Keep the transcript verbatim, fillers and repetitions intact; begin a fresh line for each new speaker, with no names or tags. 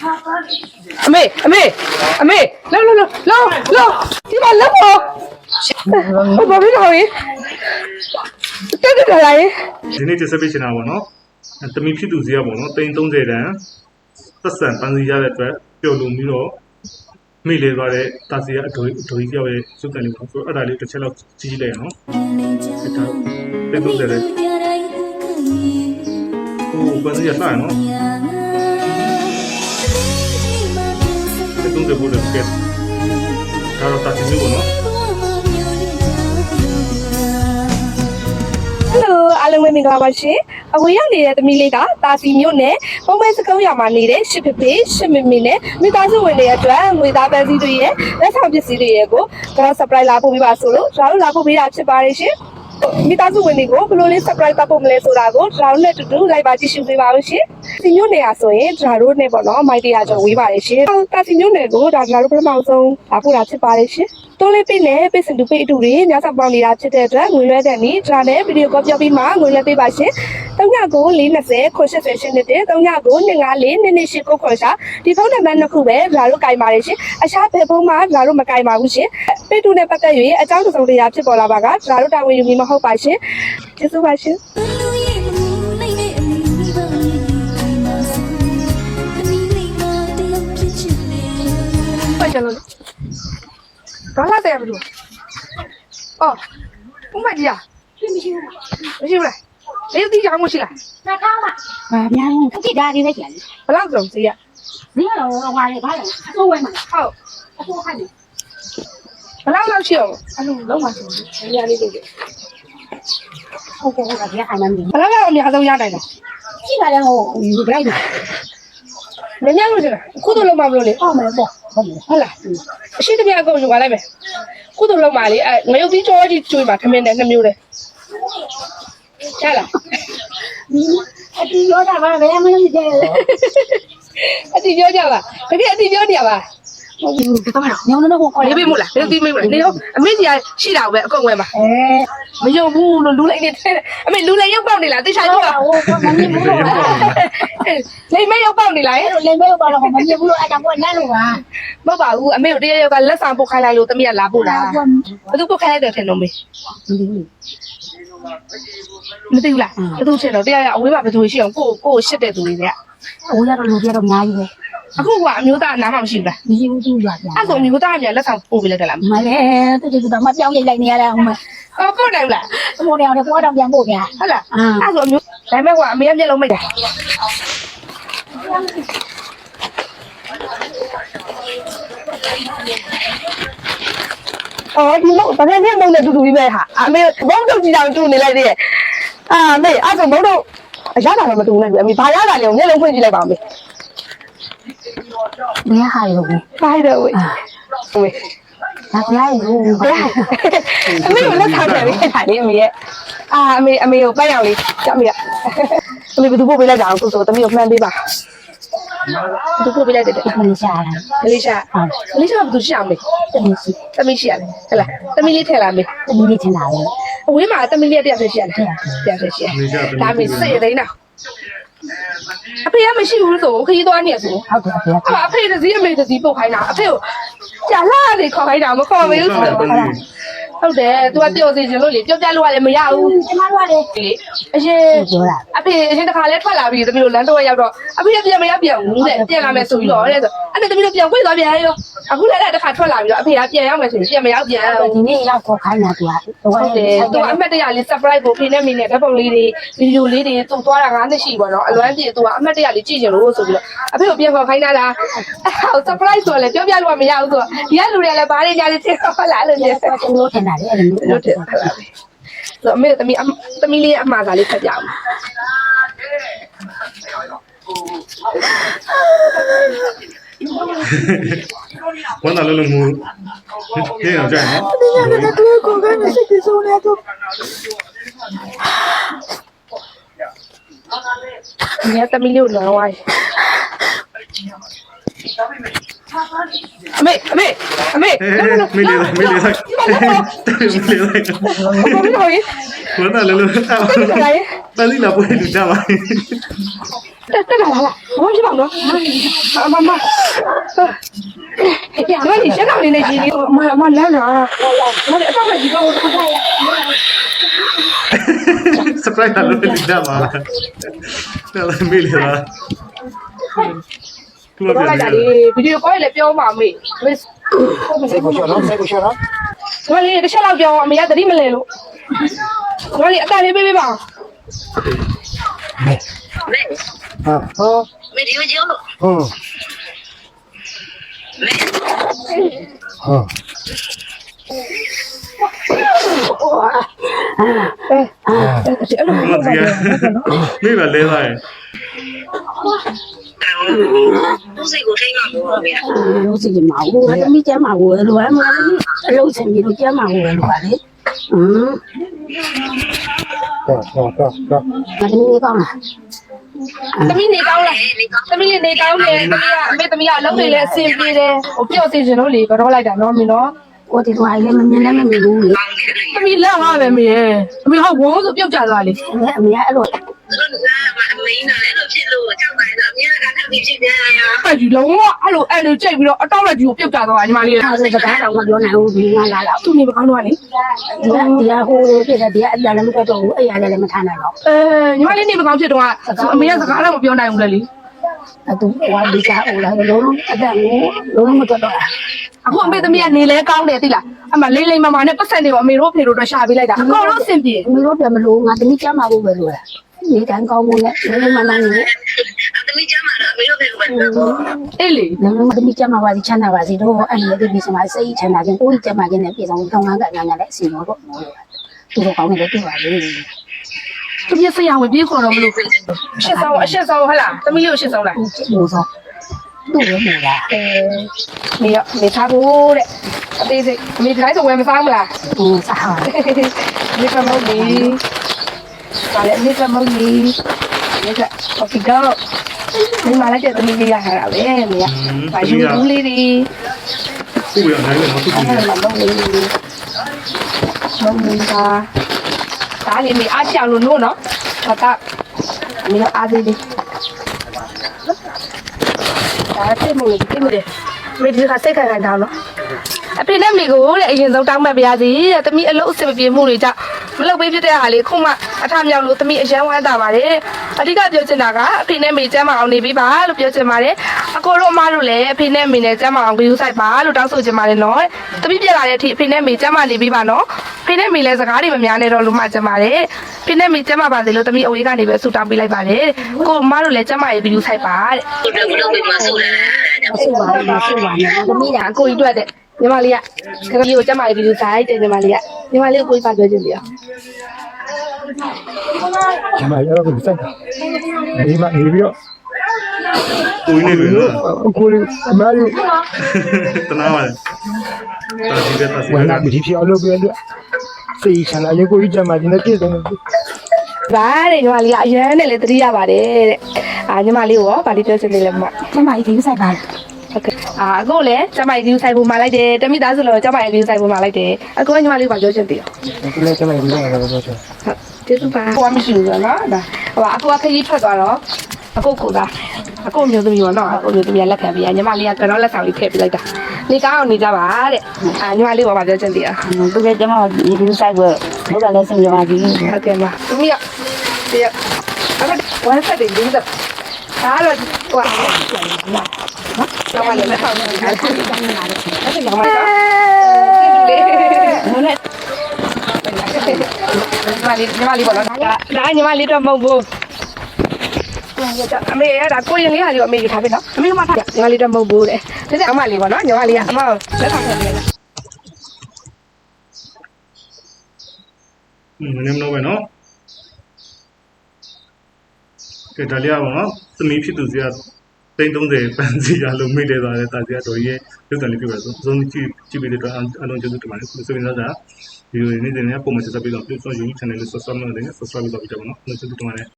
အမေအမေအမေလောလောလောလောလောဒီမှာလက်ပေါ်ဘာဖြစ်လို့လဲတက်တက်လာရင်
ဒီနေ့ကျဆက်ပေးချင်တာပေါ့နော်တမီဖြစ်သူစီရပေါ့နော်တိန်သုံးဆယ်တန်သက်ဆန်ပန်းစီရတဲ့အတွက်ပျော်လုံပြီးတော့မိလေသွားတဲ့တာစီရအဒိုအဒိုကြီးပြောက်ရဲ့စုကန်လေးပေါ့ဆိုတော့အဲ့ဒါလေးတစ်ချက်လောက်ကြီးကြီးလိုက်ရနော်အဲ့ဒါတိန်သုံးဆယ်တဲ့ဟိုပန်းစီရစရနော်တိန်သုံးဆယ်ဖို့လည်းကဲဒါတော့တာစီမျိုးပေါ့နော်
Hello အားလုံးပဲမင်္ဂလာပါရှင်။အခုရောက်နေတဲ့သမီးလေးကတာစီမျိုးနဲ့ပုံမှန်စကုံးရမှာနေတဲ့ရှစ်ဖေဖေရှစ်မမီနဲ့မိသားစုဝင်တွေအတွက်ငွေသားပန်းစည်းတွေရဲ့လက်ဆောင်ပစ္စည်းတွေရဲ့ကိုကျွန်တော် surprise လာပို့ပေးပါဆိုလို့ကျွန်တော်လာပို့ပေးတာဖြစ်ပါတယ်ရှင်။မိသားစုဝင်တွေကိုဘယ်လိုလေး surprise ပို့မလဲဆိုတာကိုကျွန်တော်နဲ့တူတူလိုက်ပါကြည့်ရှုပေးပါဦးရှင်။ဒီမျိုးနေရာဆိုရင်ကျွန်တော်တို့နဲ့ပေါ့နော်မိုက်တရာကျော်ဝေးပါတယ်ရှင်။တာစီမျိုးနယ်ကိုဒါကျွန်တော်တို့ပထမဆုံးလာပို့တာဖြစ်ပါတယ်ရှင်။တိုးလေးပိနဲ့ပိစင်တူပိအတူတွေညစာပေါင်းနေတာဖြစ်တဲ့အတွက်ငွေလွှဲတဲ့နေ့ဒါနဲ့ဗီဒီယိုကောပြောပြီးမှငွေလွှဲပေးပါရှင်။သုံးညကို၄၂၀ခွန်၈၀ရှင်းနေတဲ့သုံးညကို၂၅၄၂၂၈ကိုခွန်ရှာဒီဖုန်းနံပါတ်နှစ်ခုပဲဒါတို့ကင်ပါတယ်ရှင်။အခြားဘယ်ဖုန်းမှဒါတို့မကင်ပါဘူးရှင်။ပိတူနဲ့ပတ်သက်၍အကြောင်းစုံတရားဖြစ်ပေါ်လာပါကဒါတို့တာဝန်ယူပြီးမဟုတ်ပါရှင်။ကျေးဇူးပါရှင်။ဘာကြလို့ဘာလာတယ်ဘယ်လိုအော်ဘုမကြီးอ่ะမရှိဘူးမရှိဘူးလားလေဒီကြောင်မရှိလား
နှစ်ထောင်းပါဘာများလဲခက်တာလေးပဲကျန်တယ်
ဘလောက်စုံစီးရ
ဒီကတော့ဟွာလေဘာလဲအစိုးဝဲမှာ
ဟုတ်
အစိုးခိုင်းတယ်
ဘလောက်လောက်ရှိအောင်အဲ့လိုလုံးဝဆိုနေရာလေးတွေ
ဟုတ်ကဲ့ဟုတ်ကဲ့ဒီခိုင်းမှမင်း
ဘလောက်လောက်အများဆုံးရနိုင်လဲ
ရှိပါလေဟိုဒီကြိုက်တယ်
မင်းများလို့ရှင်ခုတို့လုံးမမလို့လေ
ဟုတ်မယ်ပေါ့ဟုတ်မယ်
ဟုတ်လားအရှိတပြအကုန်ယူပါလိုက်မယ်ခုတို့လုံးမလေးအဲငရုတ်ကြီးကြောကြီးကျွေးမှာခမင်းနဲ့နှစ်မျိုးလေချလာ
အတီရောတာပါဘယ်မှမကြည့်
အတီပြောကြပါတကယ်အတီပြောနေရပါ
ဟုတ်ဘူးတော့ညောင်းတော့ခေါ်
လေးပေးမို့လားလေးပေးမို့လားနေရောအမေကြီးရှိတာပဲအကုန်ဝယ်ပါ
အဲ
မယုံဘူးလို့လူလိုက်နေတယ်အမေလူလိုက်ရောက်ပေါက်နေလားတိချာပြောပါ
ဟိုမမြင်ဘူးလို့
လိမ့်မဲရောက်ပေါက်နေလား
အဲ့လိုလိမ့်မဲရောက်ပေါက်တော့မမြင်ဘူးလို့အဲ့ဒါကနန်းလို့ပါ
မဟုတ်ပါဘူးအမေတို့တရရောက်ကလက်ဆောင်ပုတ်ခိုင်းလိုက်လို့တမီးကလာပို့တာဘယ်သူပုတ်ခိုင်းလိုက်တယ်ထင်လို့မေမသိဘူးလားဘယ်သူထင်တော့တရရအဝေးမှာဘယ်သူရှိအောင်ကိုကိုရှစ်တဲ့သူတွေကအ
ဝေးရတော့လူပြတော့အများကြီးပဲ
အခုကအမျိုးသားနားမှမရှိဘူးလား
မရှိဘူးသူ့ရွာပြန်
အဲ့ဆိုမျိုးသားကလက်ဆောင်ပို့ပေးလိုက်တယ်လား
မလဲတူတူတော့မပြောင်းရိတ်လိုက်နေရတာဟိုမှာ
အော်ပို့တယ်လား
ဟိုနေရာတော့ပေါ်တော့ပြန်ပို့ပြန်
ဟုတ်လားအဲ့ဆိုအမျိုးဒါပေမဲ့ကအမေကမျက်လုံးမိတ်တာအော်ဒီတော့တကယ်နဲ့မုန်းတဲ့တူတူကြီးပဲဟာအမေဘုံတုတ်ကြီးတောင်တူနေလိုက်သေးရဲ့အာမေအဲ့ဆိုဘုံတုတ်အရသာတော့မတူနိုင်ဘူးအမေဘာရတာလဲမျက်လုံးဖွင့်ကြည့်လိုက်ပါဦးမေ
ဘယ်ဟာရောဘူး
ဘာရတော့ဝေးဝေး
ဒါကြလိုက်ဘူး
အမေကလက်ထားတယ်လေခါလေးအမေရဲ့အာအမေအမေကိုပတ်ရောက်လေးကြောက်မေအမေဘယ်သူပို့ပေးလိုက်တာကိုဆိုတမီးကိုမှန်းပေးပါဘယ်သူပို့ပေးလိုက်တယ်
မလေးရှားလား
မလေးရှားမလေးရှားဘယ်သူရှိအောင်မေ
တမီးရှိ
တမီးရှိရတယ်ဟဲ့လားတမီးလေးထည့်လာမေ
တမီးလေးထည့်လာလေ
အဝေးမှာတမီးလေးတယောက်တည်းရှိရတယ်တယောက်တည်းရှိရတယ်ဒါမေစိတ်ရသိန်းတော့အဖေကမရှိဘူးလို့ဆိုခရီးသွားနေရဆို
ဟုတ်ကဲ့ဖေ
။အဖေတစည်းအမေတစည်းပုတ်ခိုင်းတာအဖေကိုကြာလာနေခေါ်ခိုင်းတာမခေါ်မေးဘူးဆိုတော့ဟုတ်တယ်။ तू ကပျော်စီခြင်းလို့လေပျော်ပြလို့ကလည်းမရဘူး
။ကျမတို့ကလေ
အရင်ပြောတာအဖေအရင်တစ်ခါလဲထွက်လာပြီတမီးတို့လမ်းတော့ရောက်တော့အဖေကပြန်မရပြန်ဘူးတဲ့ပြန်လာမယ်ဆိုပြီးတော့တဲ့ဆိုအဲ့ဒါတမီးတို့ပြန်ခွေသွားပြန်ရောအခုလည်းတစ်ခါထွက်လာပြီးတော့အဖေကပြန်ရောက်မယ်ဆိုရင်ပြန်မရောက်ပြန်
ဒီနေ့ရောက်ခေါ်ခိုင်းတာ तू က
ဟုတ်တယ်။ तू အမတ်တရလေး surprise ကိုဖေနဲ့မင်းနဲ့ဓာတ်ပုံလေးတွေဗီဒီယိုလေးတွေသူ့သွားတာငါးနှစ်ရှိပါတော့အလွမ်းပြေ तू ကအမတ်တရလေးကြည့်ကြလို့ဆိုပြီးတော့အဖေကိုပြန်ခေါ်ခိုင်းတာလားအဲ့ surprise ဆိုလည်းပြောပြလို့မရဘူးဆိုတော့ဒီကလူတွေကလည်းဘာတွေညာတွေသိတော့လားလို့ပြော
တယ်လို့ထင်တာလေအဲ့လို
လို့ထင်တာဆိုအမေသမီးသမီးလေးအမှားစားလေးဖတ်ပြအောင်
ဝမ်းသာလုံးလုံးမူဟင်းအောင်ကြိုက်နော်
ဒီညနေကတော့ကိုကမရှိသေးဆိုနေတော့ညသမီးလေးကိုလောဝိုင်းအမေအမေအမေ
မေလေးမေလေးလိုက်မေလေးလိုက်ဝမ်းသာလုံးလုံးပန်းစီလာပွေးလူကြပါ
တက်တက်လာလာဘာဖြစ်ပါ့နော်မမဒီမှာရှင်းအောင်နေနေကြီးမမလမ်းလာမလည်းအတော့ကြီးတော့
surprise လာလို့ဒီတာမှာတယ်မေးလေလားသူက
ပြောလိုက်တာလေဗီဒီယိုကောလည်းပြောမှာမေမေ
စိတ်ကိုရှော့နော်စိတ်ကိုရှော့နော်
ဘာလဲတစ်ချက်လောက်ပြောအမေကသတိမလဲလို့ဘာလဲအတန်လေးပေးပေးပါ
ဟာဟော
没丢酒，
ဟုတ်ဟာ
အဲ့လို
မစီရမေးပါလဲသားရဲ့
不是我这个我没。
လို့စီမအောင်ဘူးသမီးကျမကိုလိုအပ်မှာအလုံးစင်ပြီးတော့ကျမကိုလိုပါလေဟမ်
တော့တော့တော့တော့
သမီးလေးကောင်းလား
သမီးနေကောင်းလားသမီးလေးနေကောင်းတယ်သမီးကအမေသမီးကအလုံးတွေလည်းအဆင်ပြေတယ်ဟိုပြော့စီခြင်းလို့လေကတော့လိုက်တာနော်မင်းနော်
ကိုတီသွားလည်းမမြင်လည်းမမြင်ဘူးလေ
သမီးလက်ငါပဲမေအမေဟောဝုန်းဆိုပြုတ်ကြသွားလေ
အမေအဲ့လို
သူတို့ကမမင်းနဲ့လို့ဖြစ်လို့ကြောက်ပါတော့အများကထပ်ပြီးဖြစ်ကြရ
အဲ့ဒီလုံးဝအဲ့လိုအဲ့လိုကြိတ်ပြီးတော့အတော့လက်ကြီးကိုပြုတ်ကြသွားညီမလေး
အားစကားတော့မပြောနိုင်ဘူးဒီငါလာတော့
သူ့နေမကောင်းတော့လေ
ဒီကဒီကဟိုလိုဖြစ်တယ်ဒီကအပြလည်းမထွက်တော့ဘူးအဲ့ရလည်းမထားနိုင်တော့
အဲညီမလေးနေမကောင်းဖြစ်တော့အမေကစကားတော့မပြောနိုင်ဘူးလေလေ
အဲ့သူဟိုဒီကဟိုလာလုံးလုံးအတက်ကိုလုံးလုံးမထွက်တော့
အခုအမေသမီးကနေလဲကောင်းတယ်သိလားအမလိမ့်လိမ့်မမနဲ့ပတ်စံတွေကိုအမေတို့ဖေတို့တော့ရှာပေးလိုက်တာအကုန်လုံးအဆင်ပြေ
မလို့ပြမလို့ငါသမီးကျမကိုပဲလိုတာဒီတန်းကောင်းမှုနဲ့လုံးလုံးမမနဲ့
အသမီးကျမတော့အမေတို့ပဲပဲ
အေးလေ
လုံးလုံးသမီးကျမပါစီချမ်းသာပါစီတော့အဲ့ဒီဒီစမစိတ်ချမ်းသာခြင်းကိုကျမခြင်းနဲ့ပြည်ဆောင်ကောင်းကောင်းကညာညာနဲ့အစီတော့တော့သူတို့ကောင်းနေတယ်ပြပါလေ
သူပြဆရာဝင်ပြေးခေါ်တော့မလို့အရှက်ဆောင်အရှက်ဆောင်ဟဟလားသမီးလေးကိုအရှက်ဆောင်လား
လို့ဆိုသူ့ရဲ့မလား
အဲမေရမေထားဖို့တဲ့အသေးစိတ်အမေတိုင်းဆိုဝယ်မစားမလား
ဟင်းစားပါ
မေကမဟုတ်လေဒါလည်းမေကမဟုတ်လေမေကโอเคတော့ဒီမှာလည်းတဲ့သမီးလေးရထားတာပဲမေကဘာယူဘူးလေးတွေ
သူ့ရနိုင်တယ်နော်သူ့ကြည့်
အဲ့
ရ
ဒါလုံးလေး
မဟုတ်ဘူးဒါဒါလေးမေအားချအောင်လို့နို့နော်ဒါကမေအားသေးလေးဒါတိတ်မလို့တိတ်မတယ်မေဒီကစိတ်ခံခံတောင်းနော်အဖေနဲ့မိကိုတဲ့အရင်ဆုံးတောင်းမှတ်ပါရစေတဲ့တမီးအလုပ်အဆင်မပြေမှုတွေကြောင့်မလုပ်ပေးဖြစ်တဲ့ဟာလေးခုမှအထမြောက်လို့တမီးအရန်ဝမ်းသာပါတယ်အဓိကပြောချင်တာကအဖေနဲ့မိကျမ်းမအောင်နေပြီးပါလို့ပြောချင်ပါတယ်အကိုတို့အမတို့လည်းအဖေနဲ့မိနဲ့ကျမ်းမအောင်ကြိုးဆိုင်ပါလို့တောင်းဆိုချင်ပါတယ်နော်တမီးပြလာတဲ့အထိအဖေနဲ့မိကျမ်းမနေပြီးပါနော်ဖေနဲ့မိလည်းစကားတွေမများနဲ့တော့လို့မှချင်ပါတယ်ဖေနဲ့မိကျမ်းမပါစေလို့တမီးအဝေးကနေပဲဆူတောင်းပေးလိုက်ပါတယ်ကိုအမတို့လည်းကျမ်းမရေးကြိုးဆိုင်ပါတဲ့
သူတို့ကလည်းမဆိုးတယ်
အဆူပါနဲ့ဆူပါနဲ့သမီးက
အကိုကြီးတွေ့တဲ့ညီမလေးကခရီးကိုကျမလေးပြီးစားတဲ့ညီမလေးကညီမလေးကိုကိုကြီးပါပြောချင်တယ်
ဒီမှာရတော့စိတ်ဒီမှာနေပြီးတော့
ကိုင်းနေပြီနော်
ကိုလေးအမရီ
တနာပါလေတာစီကတာစီ
ဝ
က
မ်းနာပြီးဖြစ်အောင်လုပ်ပြီးတော့စိတ်ချမ်းသာရေကိုကြီးကြမှာဒီနေ့ပြည့်စုံတယ်
ဗါတဲ့ညီမလေးကအရန်နဲ့လည်းတတိရပါတယ်တဲ့အာညီမလေးကိုဗာလေးပြောချင်တယ်လေမ
ကျမကြီးဒီဆိုင်ပါလား
ဟုတ်ကဲ့အာအခုလည်းကျမကြီးဆိုင်ဖို့มาလိုက်တယ်တမိသားစုလုံးကျမကြီးဆိုင်ဖို့มาလိုက်တယ်အခုညီမလေးကပြောချင်တယ်
ဒီနေ့ကျမဒီနေ့ကတော့ပြောချင်
ဟုတ်ကျေးဇူးပါဟိုမရှိဘူးနော်ဒါဟိုအခုကခရီးထွက်သွားတော့အခုကိုသာအခုမျိုးသမီးရောနော်အခုမျိုးသမီးလက်ခံပြီးညီမလေးကကတော့လက်ဆောင်လေးထည့်ပေးလိုက်တာနေကောင်းအောင်နေကြပါတဲ့အာညီမလေးကဘာပြောချင်တယ်
သူကကျမဒီဒီဆိုင်ကိုဘုရားလည်းစင်ကြပါကြီး
ဟုတ်ကဲ့ပါသမီးကဒီအဲ့ဝမ်းဆက်တယ်ဒီတော့ဒါတော့ဟိုနော်တော့လည်းလက်ဆောင်လေးအဲ့ဒါကြောင့်လည်းအဲ့ဒါကြောင့်လည်းလေဟိုနဲ့ညီမလေးညီမလေးပေါ့နော်ဒါညီမလေးတော့မဟုတ်ဘူးအမေရတာကိုရင်လေးဟာလေးအမေကြီးထားပြီနော်အမေကမှထားညီမလေးတော့မဟုတ်ဘူးတဲ့ဒါကြောင့်အမလေးပေါ့နော်ညီမလေးကအမလက်ဆောင်ထည့်ပေးလား
อืมနည်းနည်းပဲနော်ကဲဒါလေးအောင်နော်သမီးဖြစ်သူစီကတိန်းသုံးဆယ်ပန်းစီရလို့မိလဲသွားတယ်တာစီကတော်ရဲ့ရုပ်တံလေးပြပါဆိုစုံကြည့်ကြည့်ပြီးတော့အလုံးကျေးဇူးတင်ပါတယ်ဆိုရင်တော့ဒါဗီဒီယိုလေးနေနေပုံမှန်ဆက်ပြီးတော့ပြုစုယူ channel လေး subscribe လုပ်နေ subscribe လုပ်ပြီးတော့နော်ကျေးဇူးတင်ပါတယ်